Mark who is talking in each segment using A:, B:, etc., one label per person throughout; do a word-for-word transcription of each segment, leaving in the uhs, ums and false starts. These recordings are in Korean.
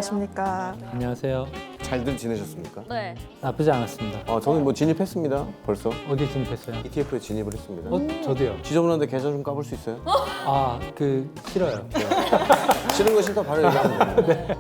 A: 안녕하십니까.
B: 안녕하세요.
C: 잘들 지내셨습니까?
D: 네.
B: 나쁘지 않았습니다.
C: 아, 저는 뭐 진입했습니다. 벌써
B: 어디 진입했어요?
C: 이티에프에 진입을 했습니다.
B: 어, 저도요.
C: 지저분한데 계좌 좀 까볼 수 있어요?
B: 아, 그 싫어요.
C: 싫은 거 싫다 바로 얘기하면 돼요.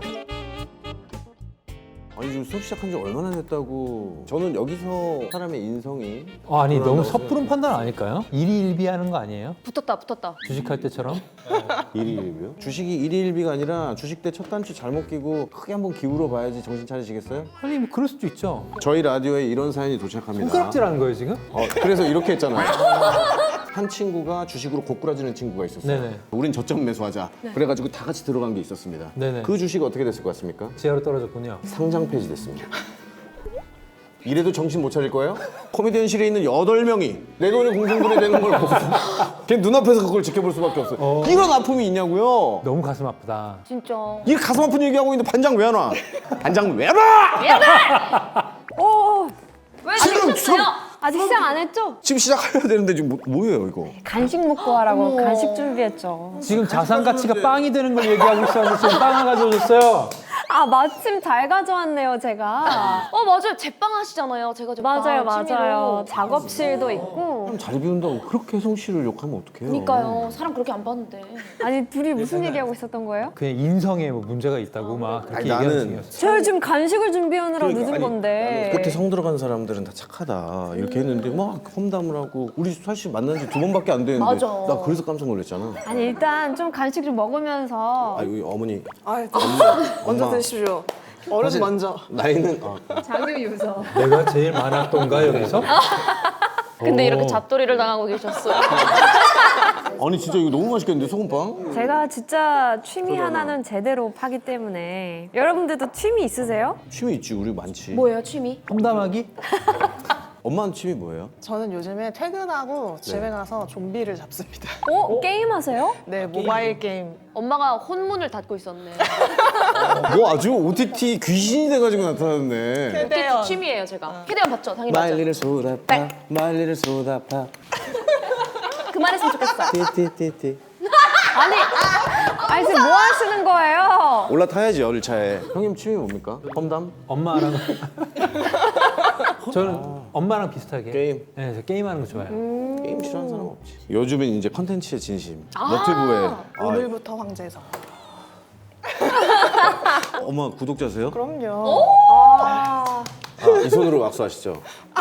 C: 아니 지금 수업 시작한 지 얼마나 됐다고. 저는 여기서 사람의 인성이
B: 어, 아니 너무
C: 그런다고
B: 섣부른 판단 아닐까요? 일희일비하는 거 아니에요?
D: 붙었다 붙었다.
B: 주식할 때처럼?
C: 일희일비요? 주식이 일희일비가 아니라 주식 때 첫 단추 잘못 끼고 크게 한번 기울어 봐야지 정신 차리시겠어요?
B: 아니 뭐 그럴 수도 있죠.
C: 저희 라디오에 이런 사연이 도착합니다.
B: 손가락질하는 거예요 지금?
C: 어, 그래서 이렇게 했잖아요. 한 친구가 주식으로 고꾸라지는 친구가 있었어요.
B: 네네.
C: 우린 저점 매수하자. 그래가지고 다 같이 들어간 게 있었습니다.
B: 네네.
C: 그 주식 어떻게 됐을 것 같습니까?
B: 지하로 떨어졌군요.
C: 상장 폐지됐습니다. 이래도 정신 못 차릴 거예요? 코미디언실에 있는 여덟 명이 내 돈이 공중분해되는 걸 보고 걔 눈앞에서 그걸 지켜볼 수밖에 없어요.
B: 어.
C: 이런 아픔이 있냐고요?
B: 너무 가슴 아프다.
D: 진짜.
C: 이 가슴 아픈 얘기하고 있는데 반장 왜 안 와? 반장 왜 안 와?
E: 오,
D: 왜
C: 지금,
D: 지금
E: 아직 시작 안 했죠?
C: 지금 시작해야 되는데 지금 뭐, 뭐예요 이거?
E: 간식 먹고 하라고 간식 준비했죠.
B: 지금 자산 가치가 빵이 되는 걸 얘기하고 있었는데 지금 빵 하나 가져오셨어요.
E: 아, 마침 잘 가져왔네요, 제가.
D: 어 맞아요. 제빵 하시잖아요. 제가 제빵
E: 맞아요,
D: 취미로.
E: 맞아요. 작업실도 있고.
C: 사람 잘 비운다고 그렇게 혜성 씨를 욕하면 어떡해요?
D: 그러니까요. 사람 그렇게 안 봤는데.
E: 아니, 둘이 무슨 얘기하고 있었던 거예요?
B: 그냥 인성에 뭐 문제가 있다고 막 그렇게
C: 아니,
B: 얘기하는
C: 나는-
B: 중이었어요.
E: 저 지금 간식을 준비하느라
C: 그러니까,
E: 늦은
C: 아니,
E: 건데.
C: 끝에 성 들어간 사람들은 다 착하다 이렇게 했는데 막 험담을 하고 우리 사실 만난 지 두 번밖에 안 됐는데
D: 맞아.
C: 나 그래서 깜짝 놀랐잖아.
E: 아니, 일단 좀 간식 좀 먹으면서.
C: 아 여기 어머니
A: 아,
C: 엄마,
A: 먼저
C: 엄마.
A: 드십시오. 어른
C: 사실
A: 먼저.
C: 나이는 어,
E: 자기 유서.
B: 내가 제일 많았던가 여기서?
D: 근데
B: 오.
D: 이렇게 잡돌이를 당하고 계셨어요.
C: 아니 진짜 이거 너무 맛있겠는데 소금빵?
E: 제가 진짜 취미 하나는 제대로 파기 때문에. 여러분들도 취미 있으세요?
C: 취미 있지 우리 많지.
D: 뭐예요 취미?
B: 험담하기?
C: 엄마는 취미 뭐예요?
A: 저는 요즘에 퇴근하고 집에 가서 좀비를 잡습니다.
E: 어? 게임 하세요?
A: 네, 모바일 게임.
D: 엄마가 혼문을 닫고 있었네.
C: 뭐 아주 오티티 귀신이 돼가지고 나타났네.
A: 캐대언.
D: 취미예요 제가. 캐대언 봤죠? 당연히 봤죠.
C: 말리를 쏟아파 말리를 쏟아파
D: 그만했으면 좋겠어.
C: 띠띠띠띠.
E: 아니, 아니, 지금 뭐 하시는 거예요?
C: 올라타야지 열차에. 형님 취미 뭡니까? 험담?
B: 엄마랑 저는 엄마랑 비슷하게
C: 게임.
B: 네, 저 게임하는 거 좋아해요.
C: 게임 싫어하는 사람 없지. 요즘엔 이제 컨텐츠의 진심. 너튜브에. 아,
A: 오늘부터 황제에서.
C: 엄마 구독자세요?
A: 그럼요.
C: 아, 이 손으로 악수하시죠.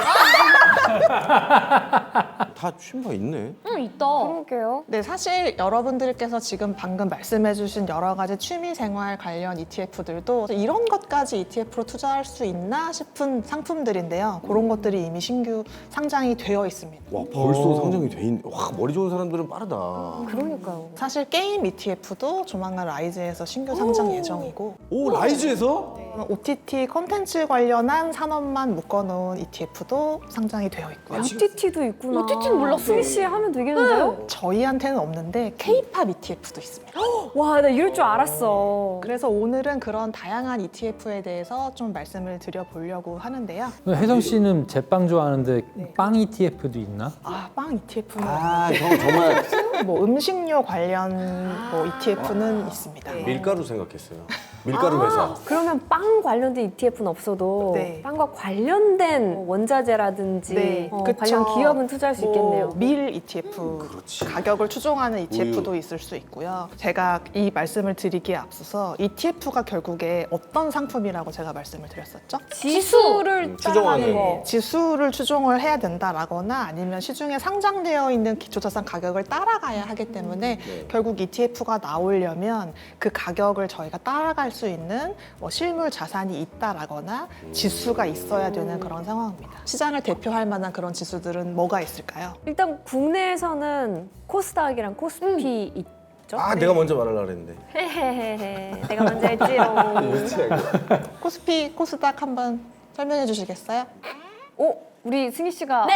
C: 다 취미가 있네.
D: 응 있다.
E: 그러게요.
A: 네, 사실 여러분들께서 지금 방금 말씀해주신 여러 가지 취미생활 관련 이티에프들도 이런 것까지 이티에프로 투자할 수 있나 싶은 상품들인데요. 그런 것들이 이미 신규 상장이 되어 있습니다.
C: 와 벌써
B: 오.
C: 상장이 돼 있네. 와 머리 좋은 사람들은 빠르다.
E: 그러니까요.
A: 사실 게임 이티에프도 조만간 라이즈에서 신규 상장 예정이고
C: 오 라이즈에서?
A: 오티티 콘텐츠 관련한 산업만 묶어놓은 이티에프도 상장이 되어 있고요.
E: 오티티도 있구나.
D: 오티티는 몰랐어요.
E: 스위시 하면 되겠는데요?
A: 저희한테는 없는데 케이팝 이티에프도 있습니다.
E: 와, 나 이럴 줄 알았어.
A: 그래서 오늘은 그런 다양한 이티에프에 대해서 좀 말씀을 드려보려고 하는데요.
B: 혜성 씨는 제빵 좋아하는데
A: 네.
B: 빵 이티에프도 있나?
A: 아, 빵 이티에프는
C: 아 형 정말
A: 뭐 음식료 관련 뭐 이티에프는 있습니다.
C: 밀가루 생각했어요. 밀가루 회사.
E: 그러면 빵 관련된 이티에프는 없어도
A: 네.
E: 빵과 관련된 뭐 원자재라든지
A: 네,
E: 어,
A: 그쵸.
E: 관련 기업은 투자할 수 있겠네요.
A: 뭐 밀 이티에프
C: 그렇지.
A: 가격을 추종하는 이티에프도
C: 우유.
A: 있을 수 있고요. 제가 이 말씀을 드리기에 앞서서 이티에프가 결국에 어떤 상품이라고 제가 말씀을 드렸었죠?
E: 지수를
C: 음, 추정하는
E: 따라가는 거.
A: 지수를 추종을 해야 된다라거나 아니면 시중에 상장되어 있는 기초자산 가격을 따라가야 하기 때문에
C: 네.
A: 결국 이티에프가 나오려면 그 가격을 저희가 따라갈 수 있는 뭐 실물 자산이 있다라거나 지수가 있어야 되는 그런 상황입니다. 시장을 대표할 만한 그런 지수들은 뭐가 있을까요?
E: 일단 국내에서는 코스닥이랑 코스피 있죠?
C: 아 내가 먼저 말하려고 그랬는데.
E: 헤헤헤헤. 내가 먼저 했지롱.
A: 코스피, 코스닥 한번 설명해 주시겠어요?
E: 오, 우리 승희 씨가
D: 네.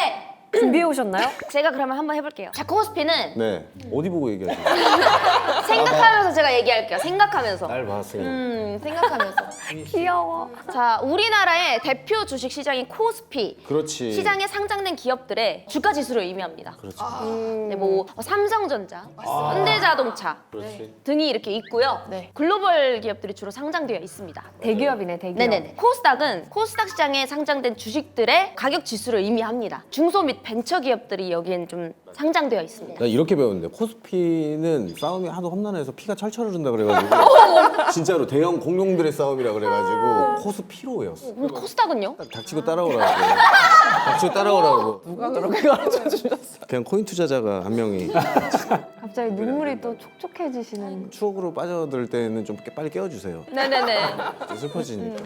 E: 준비해 오셨나요?
D: 제가 그러면 한번 해볼게요. 자, 코스피는
C: 네. 어디 보고 얘기하세요?
D: 생각하면서 제가 얘기할게요. 생각하면서.
C: 날 봤어요.
D: 음, 생각하면서.
E: 귀여워.
D: 자, 우리나라의 대표 주식 시장인 코스피.
C: 그렇지.
D: 시장에 상장된 기업들의 주가 지수를 의미합니다.
C: 그렇지.
D: 네, 뭐 삼성전자, 현대자동차
C: 그렇지.
D: 등이 이렇게 있고요.
A: 네.
D: 글로벌 기업들이 주로 상장되어 있습니다.
E: 대기업이네, 대기업.
D: 네네네. 코스닥은 코스닥 시장에 상장된 주식들의 가격 지수를 의미합니다. 중소 및 벤처 기업들이 여기엔 좀 상장되어 있습니다.
C: 나 이렇게 배웠는데 코스피는 싸움이 하도 험난해서 피가 철철 흐른다 그래가지고 진짜로 대형 공룡들의 싸움이라 그래가지고 코스피로 외웠어.
D: 그럼 코스닥은요?
C: 닥치고 따라오라고. 닥치고 따라오라고.
A: 누가 그렇게 가르쳐 주셨어요?
C: 그냥 코인 투자자가 한 명이
E: 갑자기 눈물이 또 촉촉해지시는.
C: 추억으로 빠져들 때는 좀 빨리 깨워주세요.
D: 네네네.
C: 좀 슬퍼지니까.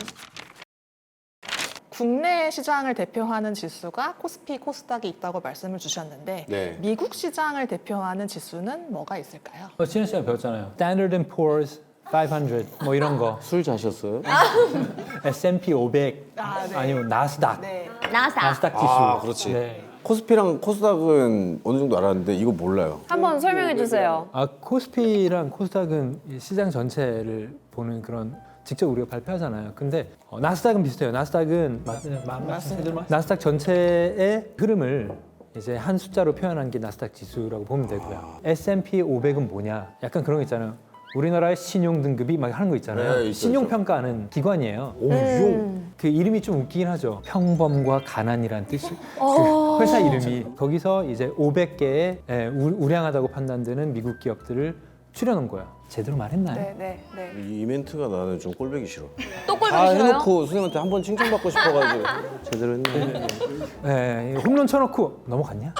A: 국내 시장을 대표하는 지수가 코스피, 코스닥이 있다고 말씀을 주셨는데
C: 네.
A: 미국 시장을 대표하는 지수는 뭐가 있을까요?
B: 어, 지난 시간에 배웠잖아요. Standard and Poor's 오백 뭐 이런 거.
C: 술 자셨어요?
B: 에스 앤 피 오백
A: 아, 네.
B: 아니면 나스닥.
A: 네.
D: 나스닥.
B: 나스닥 지수.
C: 아, 그렇지.
B: 네.
C: 코스피랑 코스닥은 어느 정도 알았는데 이거 몰라요.
E: 한번 설명해 주세요.
B: 아, 코스피랑 코스닥은 이 시장 전체를 보는 그런 직접 우리가 발표하잖아요. 근데 어, 나스닥은 비슷해요. 나스닥은 맞습니다. 나스닥 전체의 흐름을 이제 한 숫자로 표현한 게 나스닥 지수라고 보면 되고요. 에스 앤 피 오백은 뭐냐? 약간 그런 거 있잖아요. 우리나라의 신용 등급이 막 하는 거 있잖아요.
C: 네, 있죠,
B: 신용
C: 있죠.
B: 평가하는 기관이에요.
C: 오, 용.
B: 그 이름이 좀 웃기긴 하죠. 평범과 가난이란 뜻이 그 회사 이름이 거기서 이제 오백 개의 예, 우- 우량하다고 판단되는 미국 기업들을 추려놓은 거야. 제대로 말했나요?
A: 네, 네, 네.
C: 이 멘트가 나는 좀 꼴보기 싫어.
D: 또 꼴보기
C: 다
D: 싫어요?
C: 해놓고 선생님한테 한 번 칭찬받고 싶어가지고 제대로 했네.
B: 네, 홈런 쳐놓고 넘어갔냐?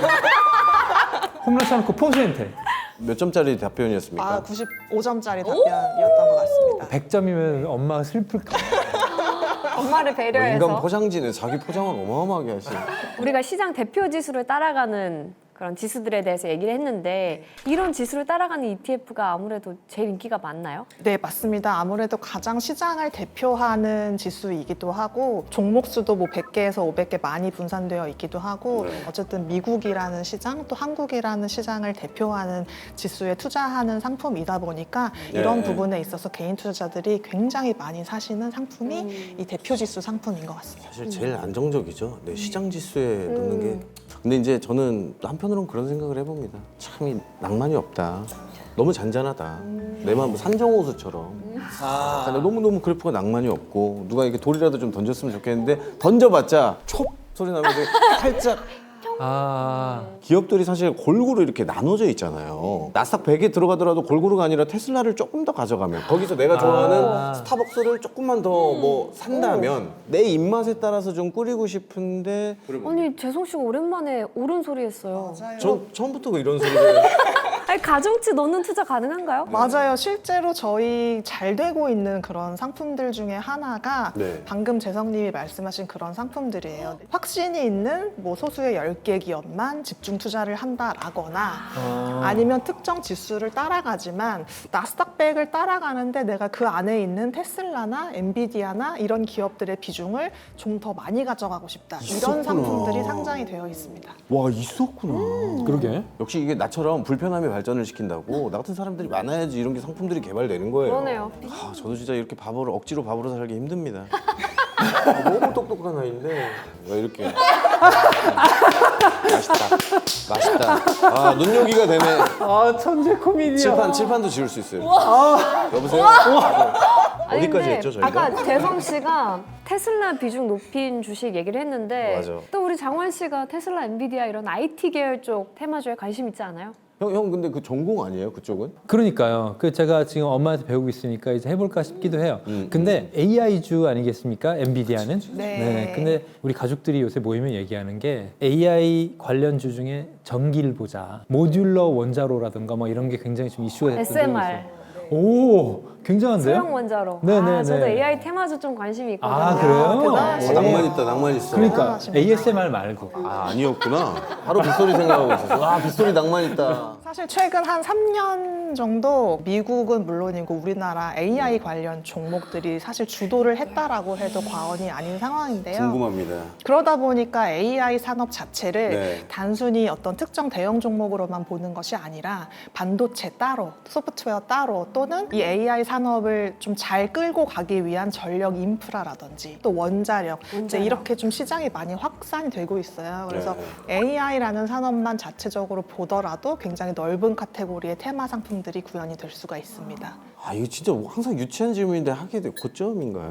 B: 홈런 쳐놓고 포수한테
C: 몇 점짜리 답변이었습니까?
A: 아, 구십오 점짜리 답변이었던 것 같습니다.
B: 백 점이면 엄마가 슬플까?
E: 엄마를
C: 뭐 인간
E: 배려해서
C: 포장지는 자기 포장을 어마어마하게 하시.
E: 우리가 시장 대표 지수를 따라가는 그런 지수들에 대해서 얘기를 했는데 이런 지수를 따라가는 이티에프가 아무래도 제일 인기가 많나요?
A: 네, 맞습니다. 아무래도 가장 시장을 대표하는 지수이기도 하고 종목 수도 뭐 백 개에서 오백 개 많이 분산되어 있기도 하고 어쨌든 미국이라는 시장 또 한국이라는 시장을 대표하는 지수에 투자하는 상품이다 보니까 이런
C: 네.
A: 부분에 있어서 개인 투자자들이 굉장히 많이 사시는 상품이 이 대표 지수 상품인 것 같습니다.
C: 사실 제일 안정적이죠. 네, 시장 지수에 넣는 게. 근데 이제 저는 또 한편으로는 그런 생각을 해봅니다. 참 이 낭만이 없다. 너무 잔잔하다. 내 마음 산정호수처럼. 아. 너무 너무 그래프가 낭만이 없고 누가 이렇게 돌이라도 좀 던졌으면 좋겠는데 던져봤자 촉 소리 나면서 살짝.
B: 아,
C: 기업들이 사실 골고루 이렇게 나눠져 있잖아요. 나스닥 백에 들어가더라도 골고루가 아니라 테슬라를 조금 더 가져가면 거기서 내가 좋아하는
B: 아.
C: 스타벅스를 조금만 더 뭐 산다면 내 입맛에 따라서 좀 꾸리고 싶은데
E: 아니 재성 씨가 오랜만에 옳은 소리 했어요.
C: 전 처음부터 이런 소리를
E: 아니 가중치 넣는 투자 가능한가요?
A: 맞아요. 실제로 저희 잘 되고 있는 그런 상품들 중에 하나가
C: 네.
A: 방금 재성님이 말씀하신 그런 상품들이에요. 확신이 있는 뭐 소수의 열 개 기업만 집중 투자를 한다라거나
B: 아.
A: 아니면 특정 지수를 따라가지만 나스닥 백을 따라가는데 내가 그 안에 있는 테슬라나 엔비디아나 이런 기업들의 비중을 좀 더 많이 가져가고 싶다.
C: 있었구나.
A: 이런 상품들이 상장이 되어 있습니다.
C: 와 있었구나.
B: 그러게.
C: 역시 이게 나처럼 불편함이 발전을 시킨다고 나 같은 사람들이 많아야지 이런 게 상품들이 개발되는 거예요.
E: 그러네요.
C: 아, 저도 진짜 이렇게 바보를 억지로 바보로 살기 힘듭니다. 아, 너무 똑똑한 아이인데 왜 이렇게 맛있다, 맛있다. 아 눈요기가 되네.
B: 아, 천재 코미디야.
C: 칠판 칠판도 지울 수 있어요. 여보세요?
E: 아니,
C: 어디까지
E: 근데
C: 했죠 저희가?
E: 아까 재성 씨가 테슬라 비중 높인 주식 얘기를 했는데
C: 맞아.
E: 또 우리 장원 씨가 테슬라, 엔비디아 이런 아이티 계열 쪽 테마주에 관심 있지 않아요?
C: 형, 형 근데 그 전공 아니에요 그쪽은?
B: 그러니까요. 그 제가 지금 엄마한테 배우고 있으니까 이제 해볼까 싶기도 해요.
C: 음,
B: 근데 에이아이주 아니겠습니까? 엔비디아는?
A: 네.
B: 근데 우리 가족들이 요새 모이면 얘기하는 게 에이아이 관련주 중에 전기를 보자. 모듈러 원자로라든가 뭐 이런 게 굉장히 좀 이슈가 됐던 적이
E: 에스엠알
B: 있어요. 오, 굉장한데요?
E: 소형 원자로.
B: 네네네.
E: 아, 저도 에이아이 테마주 좀 관심이 있거든요.
B: 아, 그래요?
A: 아, 대단하시네요.
C: 어, 낭만 있다 낭만 있어.
B: 그러니까
A: 대단하십니다.
B: 에이에스엠알 말고.
C: 아 아니었구나. 바로 빗소리 생각하고 있었어. 아 빗소리 낭만 있다.
A: 사실 최근 한 삼 년 정도 미국은 물론이고 우리나라 에이아이 관련 종목들이 사실 주도를 했다라고 해도 과언이 아닌 상황인데요.
C: 궁금합니다.
A: 그러다 보니까 에이아이 산업 자체를
C: 네.
A: 단순히 어떤 특정 대형 종목으로만 보는 것이 아니라 반도체 따로, 소프트웨어 따로 또는 이 에이아이 산업을 좀 잘 끌고 가기 위한 전력 인프라라든지 또 원자력, 이제 이렇게 좀 시장이 많이 확산이 되고 있어요. 그래서
C: 네.
A: 에이아이라는 산업만 자체적으로 보더라도 굉장히 넓은 카테고리의 테마 상품들이 구현이 될 수가 있습니다.
C: 아 이거 진짜 항상 유치한 질문인데 하게 돼 고점인가요?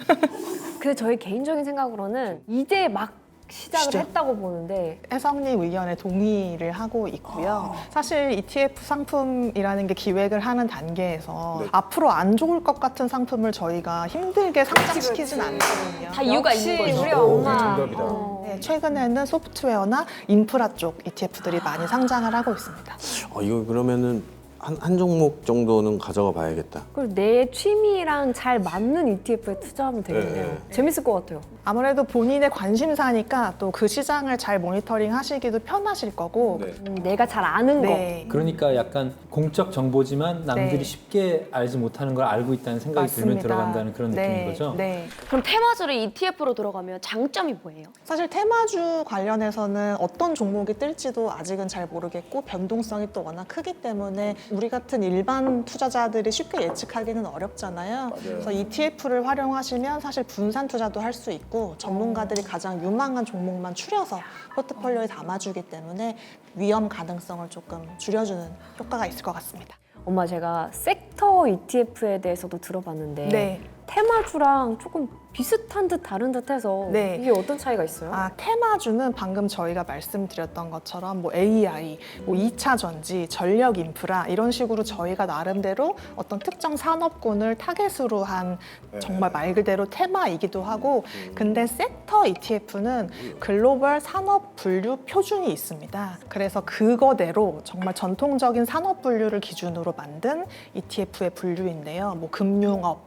E: 근데 저희 개인적인 생각으로는 이제 막 시작을
C: 시작?
E: 했다고 보는데
A: 혜성님 의견에 동의를 하고 있고요. 사실 이티에프 상품이라는 게 기획을 하는 단계에서
C: 네.
A: 앞으로 안 좋을 것 같은 상품을 저희가 힘들게 상장시키진 않거든요.
D: 다 이유가
E: 역시
D: 있는 거죠.
E: 우리
C: 오,
E: 엄마.
C: 정답이다.
E: 어.
A: 네, 최근에는 소프트웨어나 인프라 쪽 이티에프들이 많이 상장을 하고 있습니다.
C: 어 이거 그러면은 한, 한 종목 정도는 가져가 봐야겠다.
E: 그리고 내 취미랑 잘 맞는 이티에프에 투자하면 되겠네요.
C: 네.
E: 재밌을 것 같아요.
A: 아무래도 본인의 관심사니까 또 그 시장을 잘 모니터링 하시기도 편하실 거고
C: 네.
E: 음, 내가 잘 아는
A: 네.
B: 그러니까 약간 공적 정보지만 남들이
A: 네.
B: 쉽게 알지 못하는 걸 알고 있다는 생각이 들면
A: 맞습니다.
B: 들어간다는 그런
A: 네,
B: 느낌인 거죠?
A: 네.
D: 그럼 테마주를 이티에프로 들어가면 장점이 뭐예요?
A: 사실 테마주 관련해서는 어떤 종목이 뜰지도 아직은 잘 모르겠고 변동성이 또 워낙 크기 때문에 우리 같은 일반 투자자들이 쉽게 예측하기는 어렵잖아요. 그래서 이티에프를 활용하시면 사실 분산 투자도 할 수 있고 전문가들이 가장 유망한 종목만 추려서 포트폴리오에 담아주기 때문에 위험 가능성을 조금 줄여주는 효과가 있을 것 같습니다.
E: 엄마 제가 섹터 이티에프에 대해서도 들어봤는데
A: 네.
E: 테마주랑 조금 비슷한 듯 다른 듯 해서
A: 네.
E: 이게 어떤 차이가 있어요?
A: 아, 테마주는 방금 저희가 말씀드렸던 것처럼 뭐 에이아이, 뭐 이 차 전지, 전력 인프라 이런 식으로 저희가 나름대로 어떤 특정 산업군을 타겟으로 한 정말 말 그대로 테마이기도 하고 근데 섹터 이티에프는 글로벌 산업 분류 표준이 있습니다. 그래서 그거대로 정말 전통적인 산업 분류를 기준으로 만든 이티에프의 분류인데요. 뭐 금융업,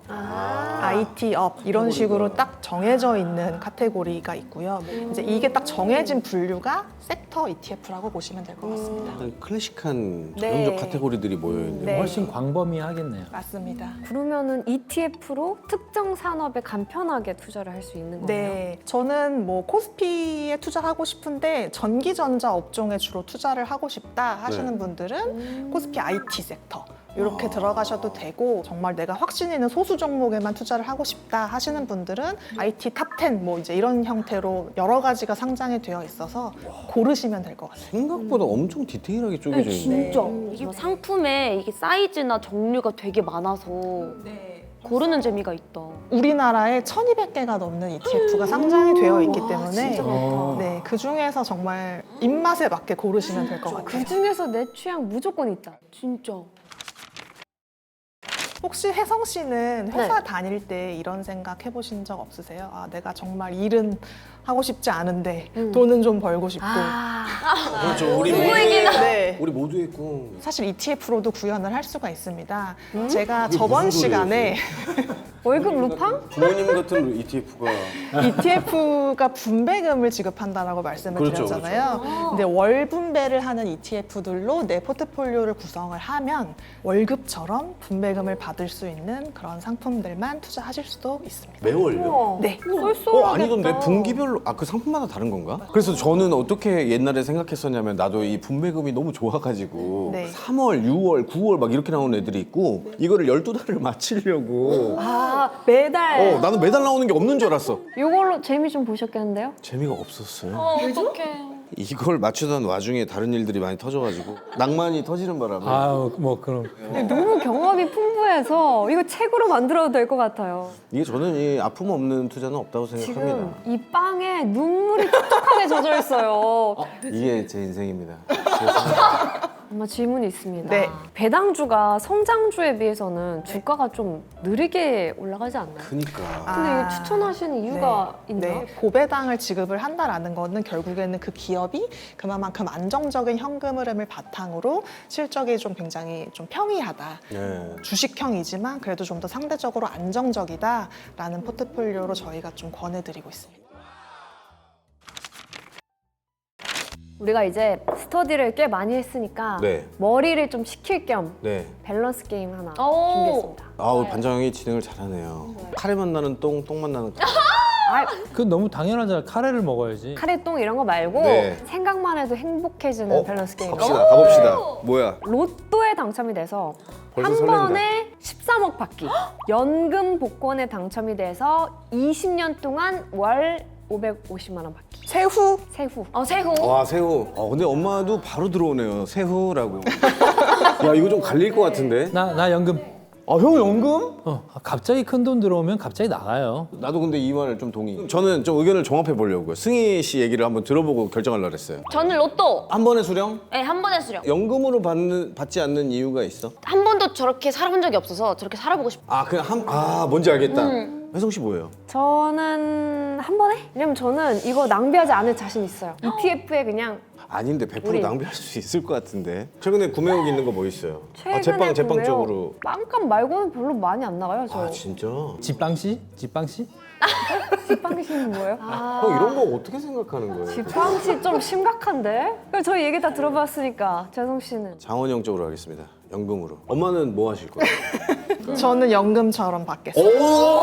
A: 아이티업 이런 식으로 딱 정해져 있는 카테고리가 있고요. 이제 이게 딱 정해진 분류가 섹터 이티에프라고 보시면 될 것 같습니다.
C: 클래식한
A: 네.
C: 전형적 카테고리들이 모여있네요.
A: 네.
B: 훨씬 광범위하겠네요.
A: 맞습니다.
E: 그러면은 이티에프로 특정 산업에 간편하게 투자를 할 수 있는 거예요?
A: 네, 저는 뭐 코스피에 투자하고 싶은데 전기전자 업종에 주로 투자를 하고 싶다 하시는
C: 네.
A: 분들은 코스피 아이티 섹터 이렇게 들어가셔도 되고 정말 내가 확신 있는 소수 종목에만 투자를 하고 싶다 하시는 분들은 아이티 탑 텐 뭐 이제 이런 형태로 여러 가지가 상장이 되어 있어서 고르시면 될 것 같아요.
C: 생각보다 엄청 디테일하게 쪼개져 있네.
D: 진짜 이게 상품에 이게 사이즈나 종류가 되게 많아서 고르는 재미가 있다.
A: 우리나라에 천이백 개가 넘는 이티에프가 상장이 되어 있기 때문에
E: 진짜
B: 어.
E: 많다.
A: 네, 그 중에서 정말 입맛에 맞게 고르시면 될 것 같아요.
E: 그 중에서 내 취향 무조건 있다.
D: 진짜.
A: 혹시 혜성 씨는 회사
E: 네.
A: 다닐 때 이런 생각 해보신 적 없으세요? 아, 내가 정말 일은 하고 싶지 않은데
E: 음.
A: 돈은 좀 벌고 싶고.
E: 아,
C: 그렇죠. 우리 모두,
A: 네.
C: 우리 모두의 꿈.
A: 사실 이티에프로도 구현을 할 수가 있습니다.
E: 음?
A: 제가
C: 그게
A: 저번
C: 무슨 소리예요,
A: 시간에
E: 월급 루팡?
C: 부모님 같은 이티에프가
A: 이티에프가 분배금을 지급한다라고 말씀을
C: 그렇죠,
A: 드렸잖아요. 근데 월 분배를 하는 이티에프들로 내 포트폴리오를 구성을 하면 월급처럼 분배금을 받을 수 있는 그런 상품들만 투자하실 수도 있습니다.
C: 매월요?
E: 우와.
A: 네.
E: 쏠쏠하겠다.
C: 어, 아니던데 분기별로 아 그 상품마다 다른 건가? 그래서 저는 어떻게 옛날에 생각했었냐면 나도 이 분배금이 너무 좋아가지고
A: 네.
C: 삼월, 유월, 구월 막 이렇게 나오는 애들이 있고 이거를 열두 달을 맞추려고
E: 아, 매달.
C: 어 나는 매달 나오는 게 없는 줄 알았어.
E: 이걸로 재미 좀 보셨겠는데요?
C: 재미가 없었어요.
D: 어떡해.
C: 이걸 맞추던 와중에 다른 일들이 많이 터져가지고 낭만이 터지는 바람에
B: 아우 뭐 그럼
E: 너무 경험이 풍부해서 이거 책으로 만들어도 될 것 같아요.
C: 이게 저는 이 아픔 없는 투자는 없다고 생각합니다.
E: 지금 이 빵에 눈물이 촉촉하게 젖어 있어요.
C: 이게 제 인생입니다. 제 생각.
E: 엄마 질문이 있습니다.
A: 네.
E: 배당주가 성장주에 비해서는 주가가 좀 느리게 올라가지 않나요?
C: 그니까
E: 근데
A: 아,
E: 이거 추천하시는 이유가 있나요?
A: 네, 고배당을 지급을 한다라는 거는 결국에는 그 기업이 그만큼 안정적인 현금 흐름을 바탕으로 실적이 좀 굉장히 좀 평이하다.
C: 네.
A: 주식형이지만 그래도 좀 더 상대적으로 안정적이다라는 포트폴리오로 저희가 좀 권해드리고 있습니다.
E: 우리가 이제 스터디를 꽤 많이 했으니까
C: 네.
E: 머리를 좀 식힐 겸
C: 네.
E: 밸런스 게임 하나
D: 오.
E: 준비했습니다.
C: 아우 반장이 진행을 잘하네요. 카레만 나는 똥, 똥만 나는 카레.
E: 아,
B: 그건 너무 당연하잖아. 카레를 먹어야지.
E: 카레똥 이런 거 말고
C: 네.
E: 생각만 해도 행복해지는
C: 어?
E: 밸런스 게임.
C: 갑시다. 가봅시다. 뭐야?
E: 로또에 당첨이 돼서
C: 벌써
E: 한
C: 설렌다.
E: 번에 십삼억 받기. 연금 복권에 당첨이 돼서 이십 년 동안 월 오백오십만 원 받기.
A: 세후
E: 세후.
D: 어 세후.
C: 와 새우. 어 근데 엄마도 바로 들어오네요. 새우라고. 야 이거 좀 갈릴 것 같은데.
B: 나, 나 연금.
C: 아 형 연금?
B: 어, 갑자기 큰 돈 들어오면 갑자기 나가요.
C: 나도 근데 이 말을 좀 동의. 저는 좀 의견을 종합해 보려고요. 승희 씨 얘기를 한번 들어보고 결정하려고 그랬어요.
D: 저는 로또.
C: 한 번에 수령?
D: 네, 한 번에 수령.
C: 연금으로 받는 받지 않는 이유가 있어?
D: 한 번도 저렇게 살아본 적이 없어서 저렇게 살아보고 싶어.
C: 아 그냥 한 아 뭔지 알겠다. 혜성 씨 뭐예요?
E: 저는 한 번에? 왜냐면 저는 이거 낭비하지 않을 자신 있어요. 이티에프에 그냥
C: 아닌데 백 퍼센트
E: 우리.
C: 낭비할 수 있을 것 같은데. 최근에 구매욕 있는 거 뭐 있어요?
E: 최근에
C: 아 제빵 제빵
E: 구매요.
C: 쪽으로.
E: 빵값 말고는 별로 많이 안 나가요. 저.
C: 아 진짜?
B: 집방씨? 집방씨?
E: 집방시는 뭐예요?
C: 형 이런 거 어떻게 생각하는 거예요?
E: 집방시 좀 심각한데? 그럼 저희 얘기 다 들어봤으니까 재성 씨는
C: 장원영 쪽으로 하겠습니다. 연금으로. 엄마는 뭐 하실 거예요?
A: 저는 연금처럼 받겠습니다.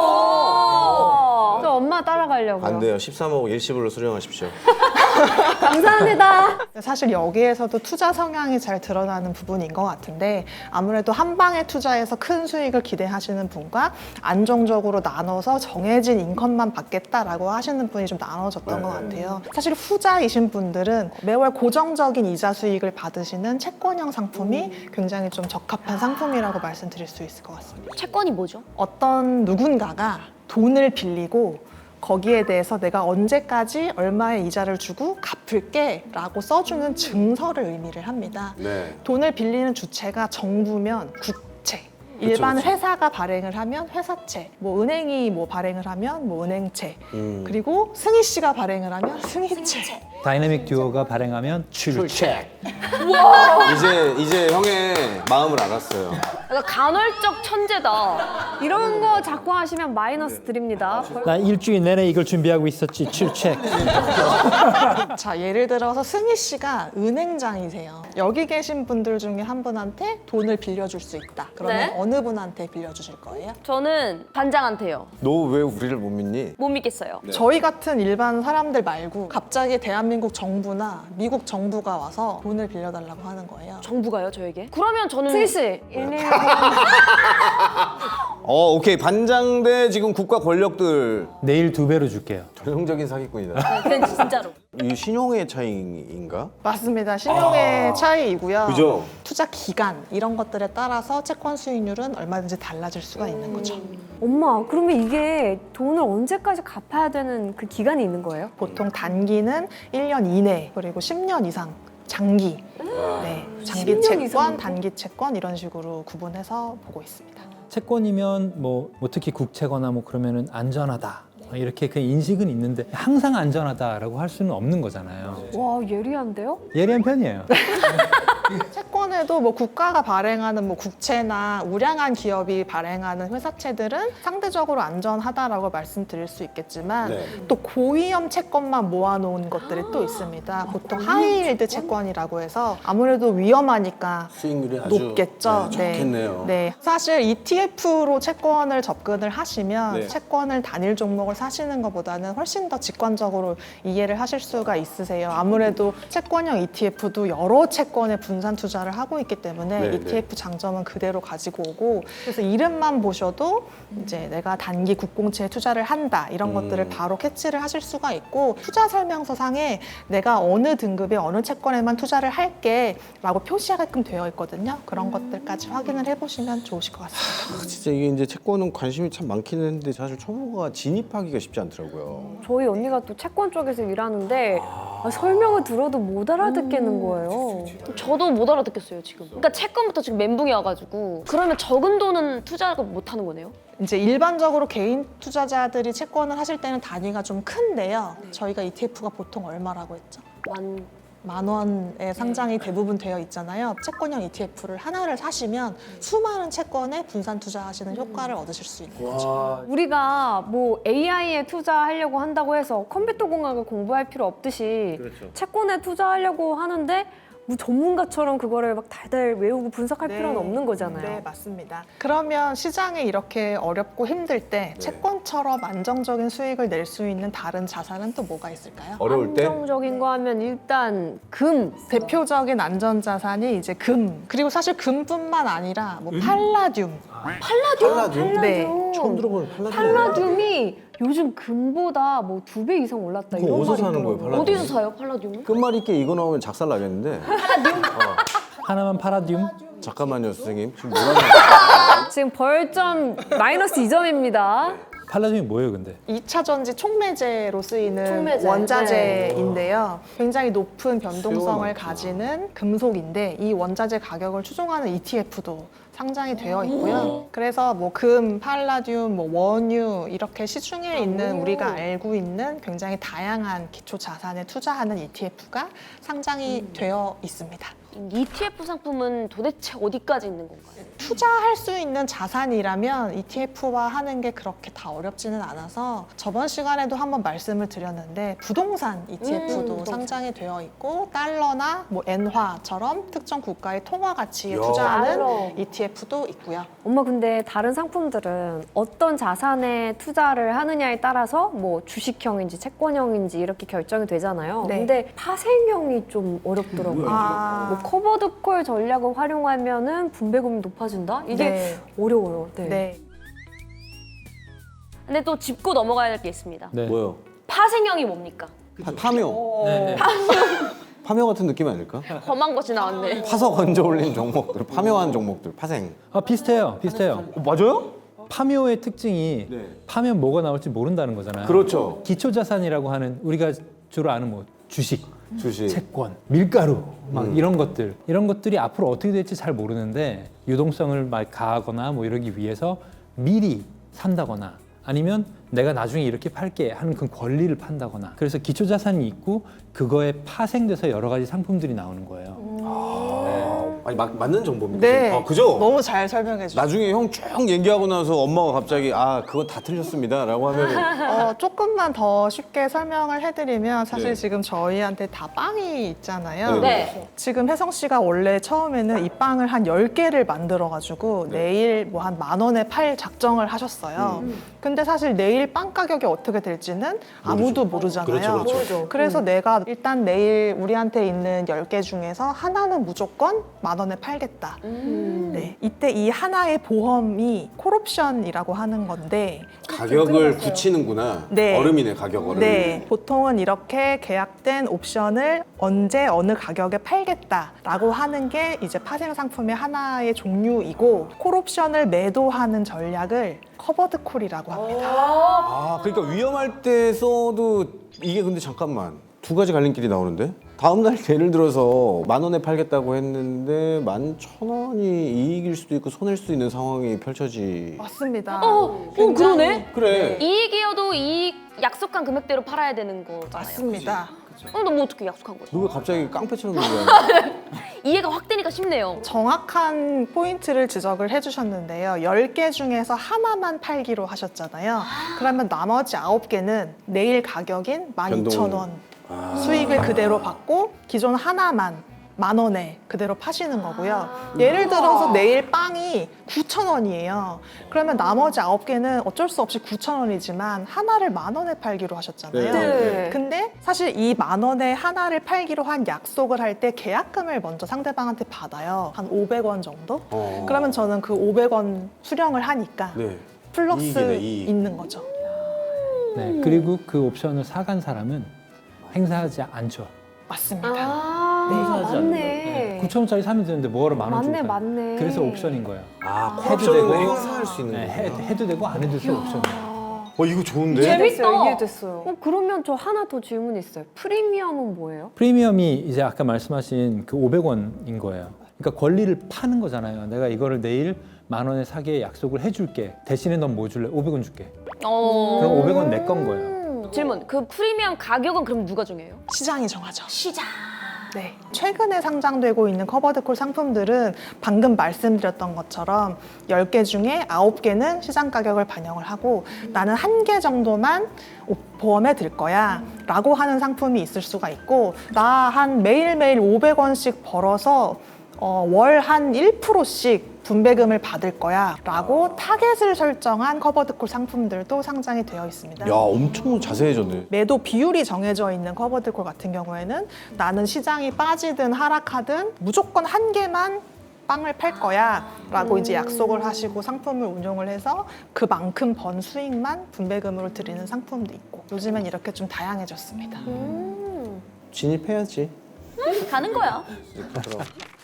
E: 저 엄마 따라가려고요.
C: 안 돼요. 십삼억 일시불로 수령하십시오.
E: 감사합니다.
A: 사실 여기에서도 투자 성향이 잘 드러나는 부분인 것 같은데 아무래도 한 방에 투자해서 큰 수익을 기대하시는 분과 안정적으로 나눠서 정해진 인컴만 받겠다라고 하시는 분이 좀 나눠졌던
C: 네.
A: 것 같아요. 사실 후자이신 분들은 매월 고정적인 이자 수익을 받으시는 채권형 상품이 굉장히 좀 적합한 상품이라고 말씀드릴 수 있을 것 같습니다.
D: 채권이 뭐죠?
A: 어떤 누군가가 돈을 빌리고 거기에 대해서 내가 언제까지 얼마의 이자를 주고 갚을게 라고 써주는 증서를 의미를 합니다.
C: 네.
A: 돈을 빌리는 주체가 정부면 국채, 일반
C: 그쵸.
A: 회사가 발행을 하면 회사채, 뭐 은행이 뭐 발행을 하면 뭐 은행채,
C: 음.
A: 그리고 승희 씨가 발행을 하면 승희채.
B: 다이내믹 듀오가 발행하면 출첵.
C: 이제 이제 형의 마음을 알았어요.
D: 약간 간헐적 천재다.
E: 이런 거 자꾸 하시면 마이너스 드립니다.
B: 나 일주일 내내 이걸 준비하고 있었지. 출첵.
A: 자, 예를 들어서 승희 씨가 은행장이세요. 여기 계신 분들 중에 한 분한테 돈을 빌려줄 수 있다. 그러면
D: 네.
A: 어느 분한테 빌려주실 거예요?
D: 저는 반장한테요.
C: 너 왜 우리를 못 믿니?
D: 못 믿겠어요.
A: 저희 같은 일반 사람들 말고 갑자기 대한민국 정부나 미국 정부가 와서 돈을 빌려달라고 하는 거예요.
D: 정부가요, 저에게? 그러면 저는
E: 승희 씨, 일일이
C: 어 오케이 반장대 지금 국가 권력들
B: 내일 두 배로 줄게요.
C: 전형적인 사기꾼이다.
D: 그냥 진짜로.
C: 이 신용의 차이인가?
A: 맞습니다. 신용의 차이이고요.
C: 그죠?
A: 투자 기간 이런 것들에 따라서 채권 수익률은 얼마든지 달라질 수가 있는 거죠.
E: 엄마, 그러면 이게 돈을 언제까지 갚아야 되는 그 기간이 있는 거예요?
A: 보통 단기는 일 년 이내 그리고 십 년 이상 장기, 네, 장기
E: 십 년
A: 채권,
E: 이상이요?
A: 단기 채권 이런 식으로 구분해서 보고 있습니다.
B: 채권이면 뭐, 뭐 특히 국채거나 뭐 그러면은 안전하다. 이렇게 그 인식은 있는데 항상 안전하다라고 할 수는 없는 거잖아요.
E: 와, 예리한데요?
B: 예리한 편이에요.
A: 채권에도 뭐 국가가 발행하는 뭐 국채나 우량한 기업이 발행하는 회사채들은 상대적으로 안전하다라고 말씀드릴 수 있겠지만
C: 네.
A: 또 고위험 채권만 모아놓은 것들이 또 있습니다. 보통 하이힐드 채권이라고 해서 아무래도 위험하니까
C: 수익률이 아주
A: 높겠죠.
C: 네, 좋겠네요.
A: 네. 사실 이티에프로 채권을 접근을 하시면
C: 네.
A: 채권을 단일 종목을 사시는 것보다는 훨씬 더 직관적으로 이해를 하실 수가 있으세요. 아무래도 채권형 이티에프도 여러 채권에 분산 투자를 하고 있기 때문에
C: 네,
A: 이티에프 장점은 그대로 가지고 오고 그래서 이름만 보셔도 이제 내가 단기 국공채에 투자를 한다 이런
C: 음.
A: 것들을 바로 캐치를 하실 수가 있고 투자 설명서상에 내가 어느 등급의 어느 채권에만 투자를 할게 라고 표시하게끔 되어 있거든요. 그런 것들까지 확인을 해보시면 좋으실 것 같습니다.
C: 아, 진짜 이게 이제 채권은 관심이 참 많긴 했는데 사실 초보가 진입하기가 쉽지 않더라고요.
E: 저희 언니가 또 채권 쪽에서 일하는데 아, 설명을 들어도 못 알아듣겠는 거예요.
D: 저도 못 알아듣겠어요, 지금. 그러니까 채권부터 지금 멘붕이 와가지고. 그러면 적은 돈은 투자를 못 하는 거네요?
A: 이제 일반적으로 개인 투자자들이 채권을 하실 때는 단위가 좀 큰데요. 저희가 이티에프가 보통 얼마라고 했죠?
D: 만
A: 만 원에 상장이 대부분 되어 있잖아요. 채권형 이티에프를 하나를 사시면 수많은 채권에 분산 투자하시는 효과를 얻으실 수 있는 거죠.
E: 우리가 뭐 에이아이에 투자하려고 한다고 해서 컴퓨터 공학을 공부할 필요 없듯이
C: 그렇죠.
E: 채권에 투자하려고 하는데 뭐 전문가처럼 그거를 막 달달 외우고 분석할
A: 네.
E: 필요는 없는 거잖아요.
A: 네, 맞습니다. 그러면 시장이 이렇게 어렵고 힘들 때
C: 네.
A: 채권처럼 안정적인 수익을 낼 수 있는 다른 자산은 또 뭐가 있을까요?
C: 어려울 때
E: 안정적인 거 하면 일단 금.
A: 대표적인 안전자산이 이제 금, 그리고 사실 금뿐만 아니라 뭐 팔라듐.
C: 팔라듐?
A: 네.
C: 처음 들어보는 팔라듐.
E: 팔라듐이 요즘 금보다 뭐 두 배 이상 올랐다
C: 그거
E: 이런
C: 어디서
E: 말이
C: 사는 거예요,
E: 있더라고요.
C: 팔라듐?
D: 어디서 사요 팔라듐을?
C: 끝말잇기 이거 나오면 작살 나겠는데.
B: 하나만 파라듐.
C: 잠깐만요, 선생님. 지금 뭐라는 거예요?
E: 지금 벌점 마이너스 이 점입니다.
B: 팔라듐이 뭐예요, 근데?
A: 이 차 전지 촉매제로 쓰이는
E: 촉매제.
A: 원자재인데요. 굉장히 높은 변동성을
C: 수요가
A: 가지는 금속인데 이 원자재 가격을 추종하는 이티에프도 상장이 되어 있고요. 그래서 뭐 금, 팔라듐, 뭐 원유 이렇게 시중에 있는 우리가 알고 있는 굉장히 다양한 기초 자산에 투자하는 이티에프가 상장이 되어 있습니다.
D: 이티에프 상품은 도대체 어디까지 있는 건가요?
A: 투자할 수 있는 자산이라면 이티에프화 하는 게 그렇게 다 어렵지는 않아서 저번 시간에도 한번 말씀을 드렸는데 부동산 이티에프도
D: 음, 부동산.
A: 상장이 되어 있고 달러나 뭐 엔화처럼 특정 국가의 통화 가치에
C: 야.
A: 투자하는
E: 달러.
A: 이티에프도 있고요.
E: 엄마 근데 다른 상품들은 어떤 자산에 투자를 하느냐에 따라서 뭐 주식형인지 채권형인지 이렇게 결정이 되잖아요.
A: 네.
E: 근데 파생형이 좀 어렵더라고요.
A: 아.
E: 뭐 커버드콜 전략을 활용하면은 분배금이 높아진다? 이게
A: 네.
E: 어려워요. 네.
A: 네.
D: 근데 또 짚고 넘어가야 될 게 있습니다.
B: 네.
C: 뭐요?
D: 파생형이 뭡니까?
C: 파, 파묘.
B: 네.
C: 파묘 같은 느낌 아닐까?
D: 험한 것이 나왔네.
C: 파서 건져 올린 종목들, 파묘한 종목들, 파생.
B: 아, 비슷해요. 비슷해요.
C: 어, 맞아요?
B: 파묘의 특징이
C: 네.
B: 파면 뭐가 나올지 모른다는 거잖아요.
C: 그렇죠.
B: 기초 자산이라고 하는 우리가 주로 아는 뭐 주식,
C: 주식.
B: 채권, 밀가루 막
C: 음.
B: 이런 것들 이런 것들이 앞으로 어떻게 될지 잘 모르는데 유동성을 막 가하거나 뭐 이러기 위해서 미리 산다거나 아니면 내가 나중에 이렇게 팔게 하는 그 권리를 판다거나 그래서 기초 자산이 있고 그거에 파생돼서 여러 가지 상품들이 나오는 거예요.
C: 아, 아니, 막, 맞는 정보입니다.
A: 네.
C: 아, 그죠?
A: 너무 잘 설명해 주셨어요.
C: 나중에 형 쭉 얘기하고 나서 엄마가 갑자기 아 그거 다 틀렸습니다 라고 하면
A: 어, 조금만 더 쉽게 설명을 해드리면 사실
C: 네.
A: 지금 저희한테 다 빵이 있잖아요.
C: 네.
D: 네.
A: 지금 혜성 씨가 원래 처음에는 이 빵을 한 열 개를 만들어가지고
C: 네.
A: 내일 뭐 한 만 원에 팔 작정을 하셨어요.
C: 음.
A: 근데 사실 내일 빵 가격이 어떻게 될지는 아무도 모르잖아요.
C: 그렇죠, 그렇죠.
A: 그래서 내가 일단 내일 우리한테 있는 열 개 중에서 하나는 무조건 만 원에 팔겠다.
D: 음.
A: 네, 이때 이 하나의 보험이 콜옵션이라고 하는 건데
C: 가격을 붙이는구나.
A: 네.
C: 얼음이네 가격 얼음.
A: 네, 보통은 이렇게 계약된 옵션을 언제 어느 가격에 팔겠다라고 하는 게 이제 파생 상품의 하나의 종류이고 콜옵션을 매도하는 전략을 커버드 콜이라고 합니다.
C: 아 그러니까 위험할 때 써도 이게 근데 잠깐만 두 가지 갈림길이 나오는데 다음 날 예를 들어서 만 원에 팔겠다고 했는데 만 천 원이 이익일 수도 있고 손해일 수도 있는 상황이 펼쳐지.
A: 맞습니다.
D: 어, 어 그러네.
C: 그래.
D: 이익이어도 이익 약속한 금액대로 팔아야 되는 거잖아요.
A: 맞습니다.
D: 어, 너뭐 어떻게 약속한 거죠?
C: 누가 갑자기 깡패처럼 얘기하냐?
D: 이해가 확 되니까 쉽네요.
A: 정확한 포인트를 지적을 해주셨는데요. 열 개 중에서 하나만 팔기로 하셨잖아요. 그러면 나머지 아홉 개는 내일 가격인 만 이천 원
C: 아.
A: 수익을 그대로 받고 기존 하나만 만 원에 그대로 파시는 거고요. 예를 들어서 내일 빵이 구천 원이에요. 그러면 나머지 아홉 개는 어쩔 수 없이 구천 원이지만 하나를 만 원에 팔기로 하셨잖아요.
E: 네.
A: 근데 사실 이 만 원에 하나를 팔기로 한 약속을 할 때 계약금을 먼저 상대방한테 받아요. 한 오백 원 정도?
C: 어.
A: 그러면 저는 그 오백 원 수령을 하니까
C: 네.
A: 플러스
C: 이익이네, 이익.
A: 있는 거죠.
B: 네, 그리고 그 옵션을 사간 사람은 행사하지 않죠.
A: 맞습니다.
E: 아,
B: 행사하지 않는
E: 맞네.
B: 거예요. 구천 원짜리 사면 되는데 뭐하러 만 원 주고
E: 맞네,
B: 사요?
E: 맞네.
B: 그래서 옵션인 거예요.
C: 아
B: 해도
C: 옵션으로
B: 되고,
C: 행사할 수 있는
B: 네,
C: 거.
B: 해, 해도 되고 안 해도 되고 옵션이에요.
C: 어 이거 좋은데?
D: 재밌-
E: 이해됐어요,
D: 재밌다.
E: 이해됐어요. 어, 그러면 저 하나 더 질문 있어요. 프리미엄은 뭐예요?
B: 프리미엄이 이제 아까 말씀하신 그 오백 원인 거예요. 그러니까 권리를 파는 거잖아요. 내가 이거를 내일 만 원에 사게 약속을 해줄게. 대신에 넌 뭐 줄래? 오백 원 줄게.
D: 어.
B: 그럼 오백 원 내 건 거예요.
D: 음, 질문. 그 프리미엄 가격은 그럼 누가 정해요?
A: 시장이 정하죠.
D: 시장.
A: 네. 최근에 상장되고 있는 커버드콜 상품들은 방금 말씀드렸던 것처럼 열 개 중에 아홉 개는 시장 가격을 반영을 하고 나는 한 개 정도만 보험에 들 거야 라고 하는 상품이 있을 수가 있고 나 한 매일매일 오백 원씩 벌어서 어, 월 한 일 퍼센트씩 분배금을 받을 거야 라고 타겟을 설정한 커버드콜 상품들도 상장이 되어 있습니다.
C: 야, 엄청 자세해졌네.
A: 매도 비율이 정해져 있는 커버드콜 같은 경우에는 나는 시장이 빠지든 하락하든 무조건 한 개만 빵을 팔 거야 라고 이제 약속을 하시고 상품을 운용을 해서 그만큼 번 수익만 분배금으로 드리는 상품도 있고 요즘엔 이렇게 좀 다양해졌습니다.
E: 음.
C: 진입해야지.
D: 가는 거야.
C: 그럼.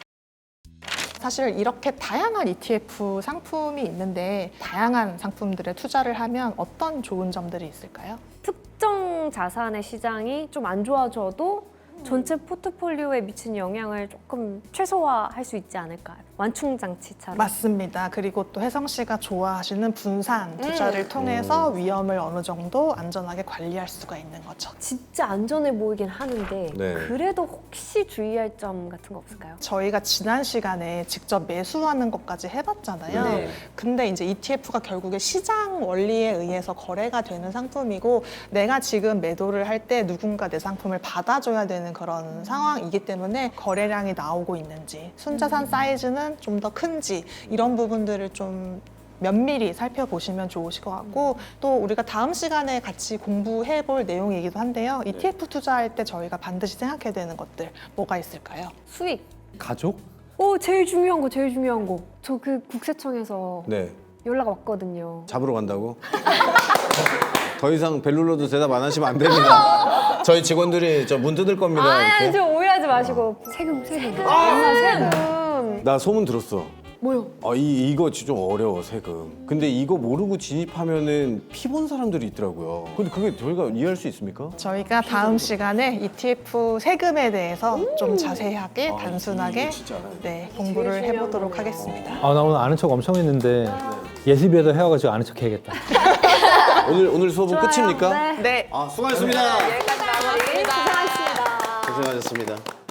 A: 사실 이렇게 다양한 이티에프 상품이 있는데 다양한 상품들에 투자를 하면 어떤 좋은 점들이 있을까요?
E: 특정 자산의 시장이 좀 안 좋아져도 전체 포트폴리오에 미치는 영향을 조금 최소화할 수 있지 않을까요? 완충장치처럼.
A: 맞습니다. 그리고 또 혜성 씨가 좋아하시는 분산 투자를 통해서 위험을 어느 정도 안전하게 관리할 수가 있는 거죠.
E: 진짜 안전해 보이긴 하는데
C: 네.
E: 그래도 혹시 주의할 점 같은 거 없을까요?
A: 저희가 지난 시간에 직접 매수하는 것까지 해봤잖아요.
C: 네.
A: 근데 이제 이티에프가 결국에 시장 원리에 의해서 거래가 되는 상품이고 내가 지금 매도를 할 때 누군가 내 상품을 받아줘야 되는 그런 상황이기 때문에 거래량이 나오고 있는지 순자산 사이즈는 좀 더 큰지 이런 부분들을 좀 면밀히 살펴보시면 좋으실 것 같고 또 우리가 다음 시간에 같이 공부해 볼 내용이기도 한데요. 이티에프 투자할 때 저희가 반드시 생각해야 되는 것들 뭐가 있을까요?
E: 수익.
B: 가족?
E: 오, 제일 중요한 거, 제일 중요한 거. 저 그 국세청에서
C: 네.
E: 연락 왔거든요.
C: 잡으러 간다고? 더 이상 벨룰로도 대답 안 하시면 안 됩니다. 저희 직원들이 저 문 뜯을 겁니다.
E: 아니,
C: 이렇게.
E: 좀 오해하지 마시고. 세금, 세금. 아, 세금.
C: 나 소문 들었어.
E: 뭐요?
C: 아, 이, 이거 진짜 좀 어려워, 세금. 근데 이거 모르고 진입하면은 피 본 사람들이 있더라고요. 근데 그게 저희가 이해할 수 있습니까?
A: 저희가 다음 시간에 이티에프 세금에 대해서 좀 자세하게
C: 아,
A: 단순하게
C: 이거 진짜 알아야 돼.
A: 네, 공부를 해보도록 하겠습니다.
B: 아, 나 오늘 아는 척 엄청 했는데 예습에도 해와가지고 아는 척 해야겠다.
C: 오늘 오늘 수업은
E: 좋아요.
C: 끝입니까?
E: 네.
A: 네,
C: 아, 수고하셨습니다.
E: 고생하셨습니다.
C: 고생하셨습니다.